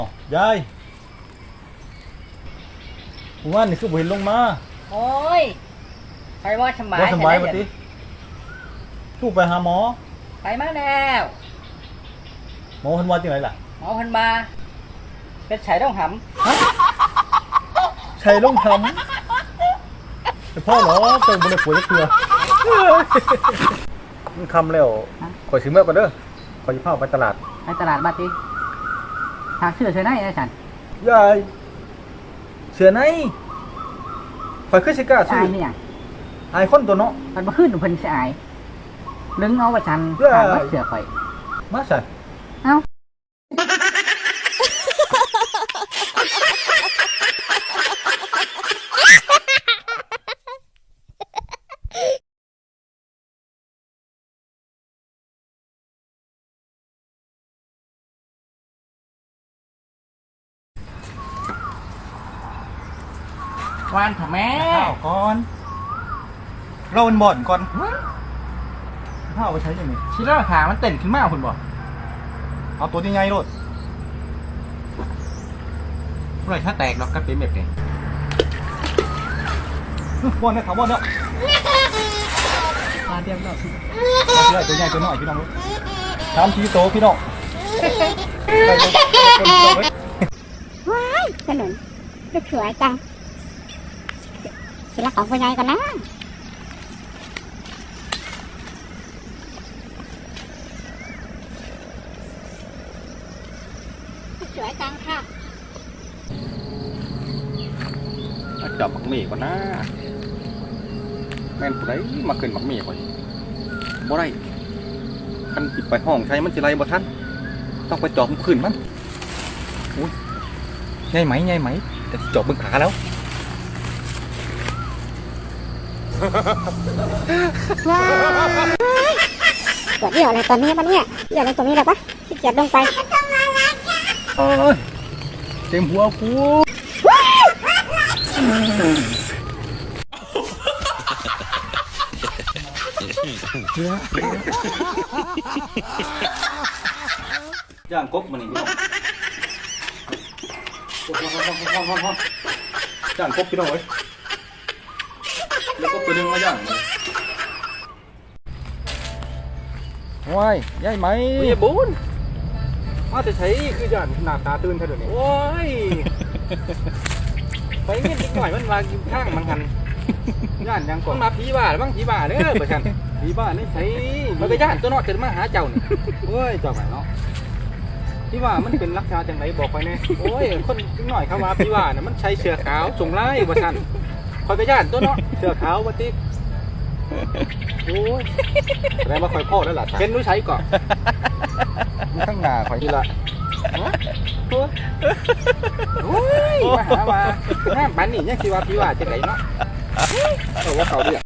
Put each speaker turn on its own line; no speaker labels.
ยายวันนี่คือบ่เห็นลงมา
โอ้ยไปว่าสบาย
ว่าสบาย
แค่
บ่
นั้น
ติทูกไปหาหมอ
ไปมาแล้ว
หมอเพิ่นว่าจังไดล่ะ
หมอเพันมาเป็นไฉต้องห
ใช่ลงทำแต่พ่อเหรอเติมบ่ได้ป่วยจักเทื่อมันคำแล้วข่อยสิเมื่อก่อนเด้อข่อยสิพาไปตลาด
ำไปตลาดบัดดิทางเชื่อเชื่อไหนไอ้สัน
ยายเสือไหนข่อยคือสิกล้า
ชา
ซื้อย
เนี่ย
อายคนตัวเนาะ
มันมาขึ้นเพิ่นสิอายลึงเอาว่าฉัน
เอ้ย
ถามว่าเสือข่อย
มาใส่
เอ้า วานค่ะแม่
ข้าวก่อนเราเป็นบ่อนก่อนข้าวเอาไปใช้ยังไง
ชิล่าขามันเต้นขึ้นมาคุณบอก
เอาตัวใหญ่ๆโลด
เมื่อไรถ้าแตกเราก็เป็นแบบนี้
บ่อนเนี่ยเขาบ่อนเนี่ย
มาเตรียมแล้ว
เอาตัวใหญ่ตัวน้อยพี่น้องตามทีโตพี่น้อง
ว้ายขนุนลูกสวยจังสิละของผู้ใหญ่ก่อนนะลูกสวยจังค่ะ
จับหมักหมี่ก่อนนะแม่นผู้ใดมาขึ้นหมักหมี่ก่อนบ่ได้คันปิดไปห้องใช้มันสิไรบ่ทันต้องไปจอบขึ้นมันอุ้ยใหญ่ไหมแต่จอบเบิ่งขาแล้ว
ว้ายปวดเดี่ยวอะไรตอนนี้ปะเนี่ยเดี่ยวอะไรตรงนี้เลยปะขี้เกียจลงไป
โอ้ยเต็มหัวกูย่างกบมันนี่ย่างกบพี่น้องเอ้ยแล้วก็ตัวนึงมาย่างมันว้ายใหญ่ไหม
มีบุญ
มาจะใช้คือย่านหน้าตาตื่นเท่าเดี๋ยวนี้
โอ้ยไปเงี้ยนิดหน่อยมันมากินข้างมันกัน
ย่านยังก่อ
มัน นมาผีบ้าบ้างผีบ้าเด้อประชัน
ผีบ้านนี่ใช้
มันก็ย่านตัวเนอกเกิดมาหาเจ้านี่
เฮ้ยเจ้าไหนเนาะพี่ว่ามันเป็นลักษณะจังไรบอกไปแน่
โอ้ยคนนิดหน่อยเข้ามาผีบ้าน่ะมันใช้เสือขาวส่งไล่ประชันคอยก็ย่านตัวเนาะ
เสื้อขาวบัติก
โอ้ย
แสดงว่าคอยพ่อแล้วล่ะ
เป็นรู้ใช้ก่อน
ข้างหน้าคอยที่ละ
โอ้ยมาหาว่าหน้าปันนี่ยังคิดว่าผีบ้าจะไหนเนาะ
เออว่าเขาเดือด